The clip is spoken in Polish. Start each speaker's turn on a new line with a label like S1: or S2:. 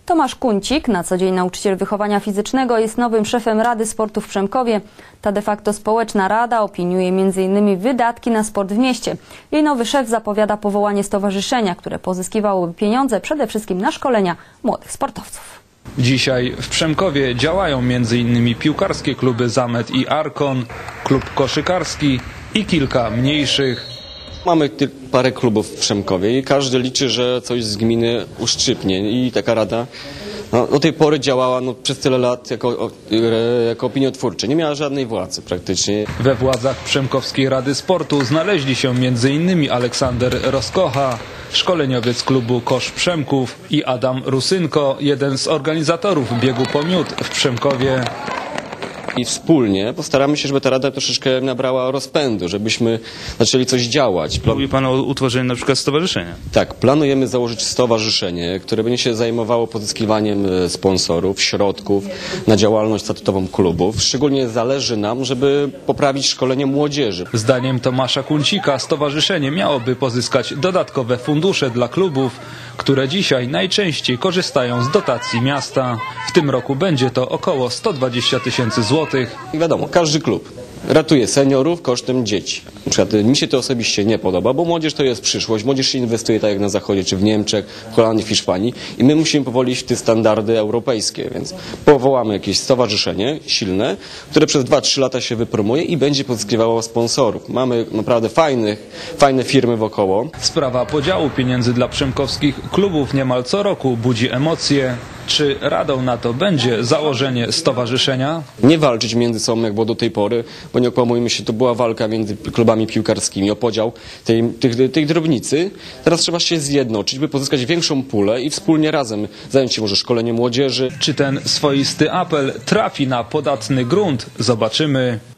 S1: Tomasz Kuncik, na co dzień nauczyciel wychowania fizycznego, jest nowym szefem Rady Sportu w Przemkowie. Ta de facto społeczna rada opiniuje m.in. wydatki na sport w mieście. Jej nowy szef zapowiada powołanie stowarzyszenia, które pozyskiwałoby pieniądze przede wszystkim na szkolenia młodych sportowców.
S2: Dzisiaj w Przemkowie działają m.in. piłkarskie kluby Zamet i Arkon, klub koszykarski i kilka mniejszych.
S3: Mamy parę klubów w Przemkowie i każdy liczy, że coś z gminy uszczypnie i taka rada do tej pory działała przez tyle lat jako opiniotwórcza. Nie miała żadnej władzy praktycznie.
S2: We władzach Przemkowskiej Rady Sportu znaleźli się m.in. Aleksander Roskocha, szkoleniowiec klubu Kosz Przemków, i Adam Rusynko, jeden z organizatorów biegu po miód w Przemkowie.
S3: I wspólnie postaramy się, żeby ta rada troszeczkę nabrała rozpędu, żebyśmy zaczęli coś działać.
S4: Mówi Pan o utworzeniu na przykład stowarzyszenia.
S3: Tak, planujemy założyć stowarzyszenie, które będzie się zajmowało pozyskiwaniem sponsorów, środków na działalność statutową klubów. Szczególnie zależy nam, żeby poprawić szkolenie młodzieży.
S2: Zdaniem Tomasza Kuncika stowarzyszenie miałoby pozyskać dodatkowe fundusze dla klubów, które dzisiaj najczęściej korzystają z dotacji miasta. W tym roku będzie to około 120 000 złotych.
S3: I wiadomo, każdy klub ratuje seniorów kosztem dzieci. Na przykład mi się to osobiście nie podoba, bo młodzież to jest przyszłość. Młodzież się inwestuje tak jak na Zachodzie, czy w Niemczech, w Holandii, w Hiszpanii i my musimy powoli iść w te standardy europejskie, więc powołamy jakieś stowarzyszenie silne, które przez 2-3 lata się wypromuje i będzie pozyskiwało sponsorów. Mamy naprawdę fajne firmy wokoło.
S2: Sprawa podziału pieniędzy dla przemkowskich klubów niemal co roku budzi emocje. Czy radą na to będzie założenie stowarzyszenia?
S3: Nie walczyć między sobą, jak było do tej pory, bo nie okłamujmy się, to była walka między klubami piłkarskimi o podział tej drobnicy. Teraz trzeba się zjednoczyć, by pozyskać większą pulę i wspólnie razem zająć się może szkoleniem młodzieży.
S2: Czy ten swoisty apel trafi na podatny grunt? Zobaczymy.